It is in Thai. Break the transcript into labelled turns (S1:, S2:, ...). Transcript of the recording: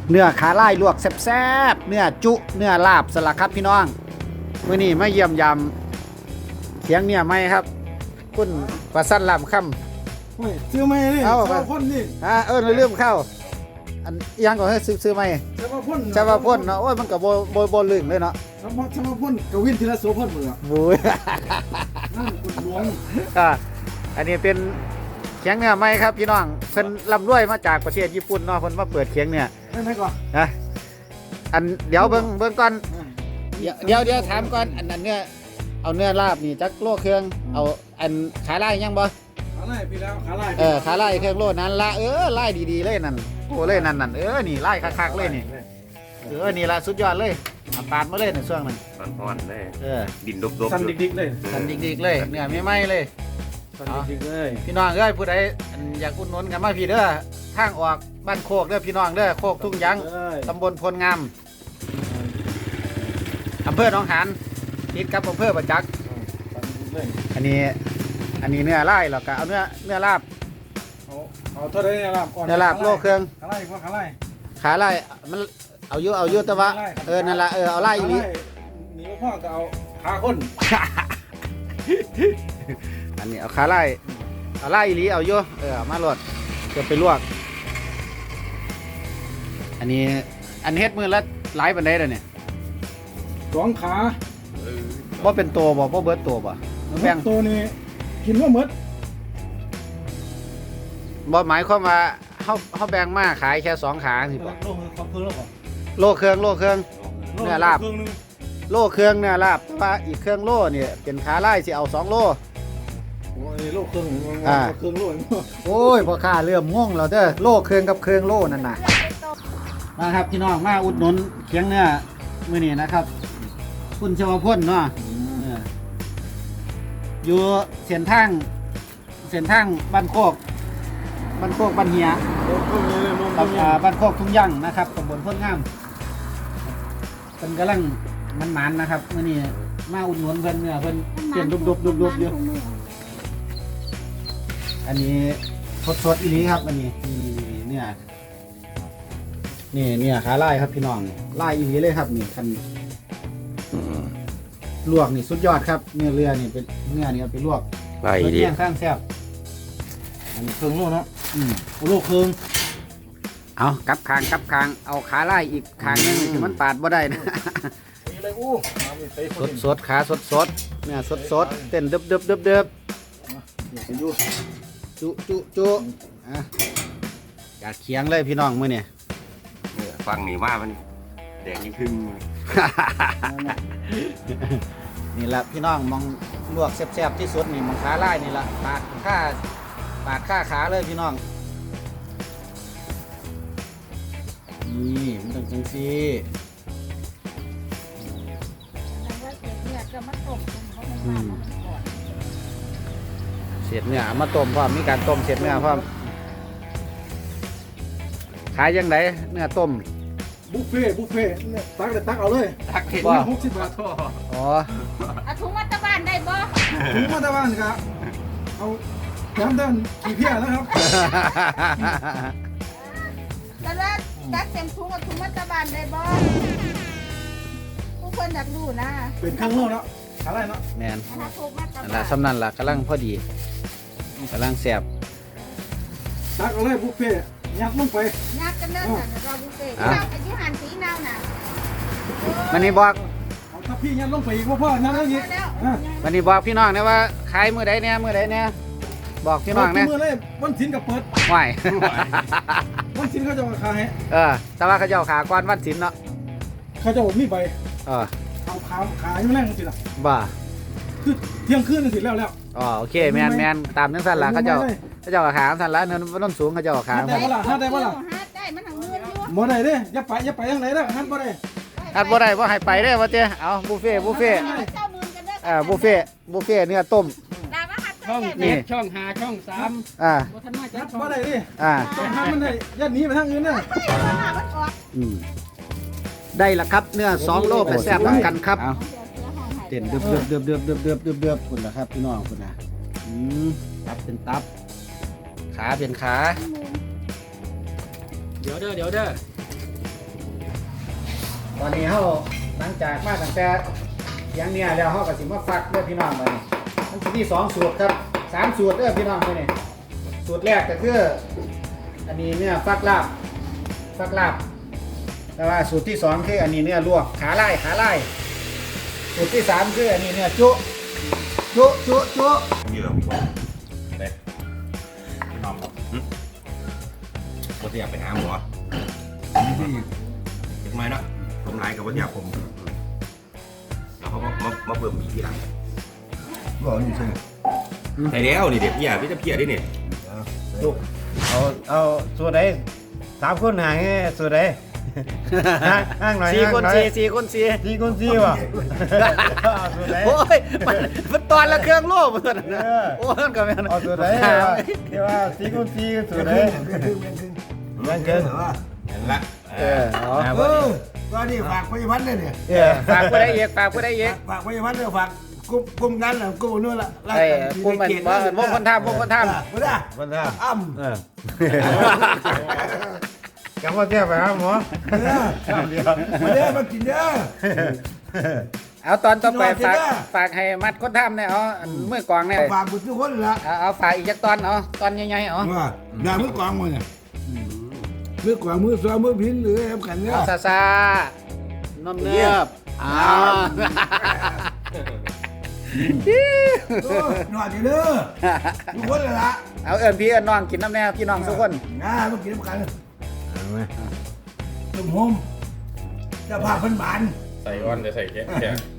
S1: เนื้อขาไล่ลวกแซ่บๆเนื้อจุเนื้อลาบสลักครับพี่น้องมื้อนี้มาเยี่ยมยำเขียงเนี่ยไหมครับคุณประสันลำค่ำ
S2: โอ้ยซื้อไหมนี่
S1: เอา
S2: ชาวพ่นนี่
S1: เริ่มเข้าอันยังก่อนให้ซื้อไหม
S2: ชาวพ่น
S1: ชาวพ่นเนาะโอ้ยมันกับโบลึงเลยเนาะ
S2: ชาวพ่นกวินทีละโสพ่นหมดอ่ะ
S1: บุ้ย
S2: นั่นกุดหลวง
S1: อันนี้เป็นเขียงเนื้อไหมครับพี่น้องเพิ่นร่ำรวยมาจากประเทศญี่ปุ่นเนาะเพิ่นมาเปิดเขียงเนี่ย
S2: ได้ไหมก่อน
S1: นะอันเดี๋ยวเบิ่งก่อนเดี๋ยวถามก่อนอันนั้นเนื้อเอาเนื้อลาบนี่จักโลเครื่องเอาอันขาไล่ยังบ่
S2: ขาไล่พี่แล้วขาไล่
S1: ขาไล่เครื่องโลนั้นละไล่ดีๆเลยนั่นโอ้เลยนั่นนี่ไล่คักๆเลยนี่นี่ละสุดยอดเลยเอาปาดมาเลยในช่วงนั้น
S3: ร้อนๆเลย ดินดบๆ
S2: สั่นดิกๆเลย
S1: ทันดิกๆเลยเนื้อไม่ไหม้เลย
S2: สั่นดิกๆเลย
S1: พี่น้องเอ้ยผู้ใดอยากอุดหนุนกันมาพี่เด้อทางออกบ้านโคกเด้อพี่น้องเด้อโคกทุ่งยังตำบลพลงามอำเภอหนองหานติดกับอำเภอประจักษ์
S2: สั่นดิกเลย
S1: อันนี้เนื้อไล่หรอกก็เอาเนื้อลาบ
S2: เอาเท่าไรเนี่ยลาบก่อน
S1: เนื้อลาบโลเครื่อง
S2: ขาไล่ว่าขาไล่
S1: ขาไล่มันเอาอยู่แต่ว่านั่นละเอาไล่อีหลี
S2: หนีพ่อก็เอาขาคน
S1: อันนี้เอาขาไล่อีหลีเอาอยู่เอามาโหลดจะไปลวกอันเฮ็ดมือละหลายปานใดเด้อเนี่ย
S2: สองขา
S1: บ่เป็นตัวบ่เบิดตัวบ่แบ่ง
S2: ตัวนี้กินว่าหมด
S1: บ่หมายความว่าเฮาแบ่งมาขายแค่2ขาสิบ่
S2: โลของเพิ่งแล้วก่อน
S1: โลเครื่องเนื้อลาบโลเครื่องเนื้อลาบแต่ว่าอีกเครื่องโลเนี่ยเป็นขาไล่สิเอา2โล
S2: โอ้ยโลเครื่องเครื่องโล
S1: โอ้ยพ่อค้าเริ่มง่วงแล้วเด้อโลเครื่องกับเครื่องโลนั่นน่ะมาครับพี่น้องมาอุดหนุนเคียงเนื้อมื้อนี้นะครับคุณชวพลเนาะอยู่เส้นทางบ้านโคกบ้านเฮียบ้านโคกทุ่งยั่งนะครับตำบลพ้นงามเป็นกำลังมันๆนะครับมื้อนี้มาอุดหนุนเพิ่นเนื้อเพิ่นเปลี่ยนดุบอยู่อันนี้สดๆอีหลีครับอันนี้เนี่ยขาไล่ครับพี่น้องไล่อีหลีเลยครับนี่คันลวกนี่สุดยอดครับเนื้อเรือนี่เป็นเนื้อนี่เอาไปลวก
S3: ไล่ดิ
S1: เที่ยงข้างแซ่บ
S2: อันนี้เครื่องโลเนาะ
S1: โลเครื่องเอากลับคางเอาขาไล่อีกคางนึงที่มันปาดบ่ได้นะ
S2: นี่เลยอู้
S1: สดขาสดเนี่ยสดเต้นเดิบจุอ่ะอยากเคียงเลยพี่น้องมื้อนี่
S3: ฟังนี่ว่ามันแดงยิ่งขึ้น
S1: นี่แหละพี่น้องมองลวกแซ่บๆที่สุดนี่มองขาไล่นี่ละปาดค่าขาเลยพี่น้องนี่มันต้องจังซี่เศษเนื้อเอามาต้มพร้อมมีการต้มเศษเนื้อพร้อมขายยังไงเนื้อต้ม
S2: บุฟเฟ่เนี่ยตักเอาเลย
S3: ตักเห็น
S1: ว่า
S2: 60 บาท
S1: อ๋อ
S4: เอาถุงมัตตบ้านได้บ่
S2: ถุงมาตะวันครับเอาแถมด้านขี้เพี้ยนะครับ
S4: แต่ละตักเต็มถุงเอาถุงมัตตบ้านได้บ่ผู้คนอยากรู้นะ
S2: เป็นเครื่องโลเนาะอะไรเนาะ
S1: แมน
S4: ถ้าถุงมัตต
S1: นั่น
S4: บ้า
S1: ละ
S4: น
S1: สำนันละกำลังพอดีกำลังแซ่บ
S2: ตักเอาเลยบุฟเฟ่ยัดลงไป
S4: ยากกันเด้อน่ะเราบุฟเฟ่ต์เราอายุหันสีนาวน่ะ
S1: วันนี้บอก
S2: เอาถ้าพี่ยัดลงไปอีกว่าพ่อยัดแล้วอีก
S4: แล้ว
S1: วันนี้บอกพี่น้องนะว่าขายมือใดเนี่ยบอกพี่น้องนะ
S2: มือเลยวันศิลกับเปิด
S1: ไหว
S2: วันศิลเขาจะมาขาย
S1: แต่ว่าเขาเจ้าขาก้อนวันศิลป์เนาะ
S2: เขาจะบอกมีใบ
S1: เออ
S2: เอาขายอยู่แรงสิล่ะ
S1: บ่า
S2: คือเที่ยงคืนสิแล้ว
S1: อ๋อโอเคแมนตามนั้นสั่นละเขาเจ้าขาสั่นละเนินต้นสูงเขาเจ้าขา
S4: ฮัดได้มันทางเงินอยู่
S2: บ่ได้เด้อย่าไปทางไหนเด้อฮัดบ่ได้
S1: อัดบ่ได้บ่ให้ไปเด้อว่าเจ้เอาบุฟเฟ่
S4: เจ้ามือกันเด้อ
S1: บุฟเฟ่เนื้อต้ม
S4: ดาว่าฮัด
S5: ช่อง
S4: นี่
S5: เจ็ดช่อง5ช่อง3
S1: อ่า
S5: บ่ทันมาจั
S2: ฮั
S5: ก
S2: ด
S5: ช่อง
S2: บ่ได้ดิ
S1: อ่า
S2: ต้องฮัดมันได้ยัดหนีไปทางอื่นเด้อ
S4: มันออก
S1: ได้ละครับเนื้อ2โลไปแซ่บกันครับเต้นเดือบคุณละครับพี่น้องคุณนะตับเป็นตับขาเป็นขา
S5: เดี๋ยวเด้อ
S1: ตอนนี้เฮาหลังจากมาตั้งแต่เสียงเนี่ยแล้วเฮาก็สิมาฟักเด้อพี่น้องมื้อนี้มันสิมี2สูตรครับ3สูตรเด้อพี่น้องมื้อนี้สูตรแรกก็คืออันนี้เนี่ยฟักลาบแต่ว่าสูตรที่2คืออันนี้เนี่ยลวกขาไล่สูตรที่3คืออันนี้เนี่ยจุ
S3: นี่เหรอเด็กน้องผมอยากไปหาหมอทำไมเนาะผมไล่กับว่าอยากผมแล้วเขามาเพิ่มมีทีหลัง
S2: บอกนี่ใช่
S3: ใช่แล้วนี่เด็กพี่จะเพี้ยได้เนี่ย
S6: เอาสูตรไหน3 คนหางสูตรไหนห่างหน่อย
S1: 4 คน 4 คน 4
S6: 4 คน 4ว่ะสูตรไหน
S1: โอ้ยมันตอนละเครื่องโล่มันตัวนั้นนะโอ้ยมันก็แม่น
S6: เอาสูตรไหนเดี๋ยวว่า4 คน 4สูตรไหนยังเกิน
S3: เห็นละ
S1: เอา
S2: ก็นี่ฝากพยาบาลเนี่ย
S1: ฝากผู้ใดอีกฝากผู้ใดอีก
S2: ฝากพยาบาลเนี่ยฝากกลุ่มนั้นแหละกลุ่มนู้นละ
S1: ไอ้ผู้มันบ่วงคนทำ
S2: ไม่ได้
S6: วันละ
S2: อ้ำ
S6: กำว่าเที่ยวไปครับหมอ
S2: มาเด้อมากินเด้อ
S1: เอาตอนต่อไปฝากให้มัดคนทำเนี่ยเอามือกวางเนี่ย
S2: ฝากบุตรทุกคนละ
S1: เอาฝากอีกจักตอนเอาตอนใหญ่ๆเอา
S2: ว่าด่ามือกวางมาเนี่ยมือกวางมือซ้อมมือพินหรืออะไรกันเนี่ย
S1: ซาซานมเนือบอ้าว
S2: หน่อยเด้อทุกคนเลยละ
S1: เอาเอิญพี่เอิญน้องกินน้ำแน่พี่น้องทุกคน
S2: ง่ามากินน้ำกันตุ่มโฮมจะพาเพิ่นบาน
S3: ใส่ก้อนจะใส่แค่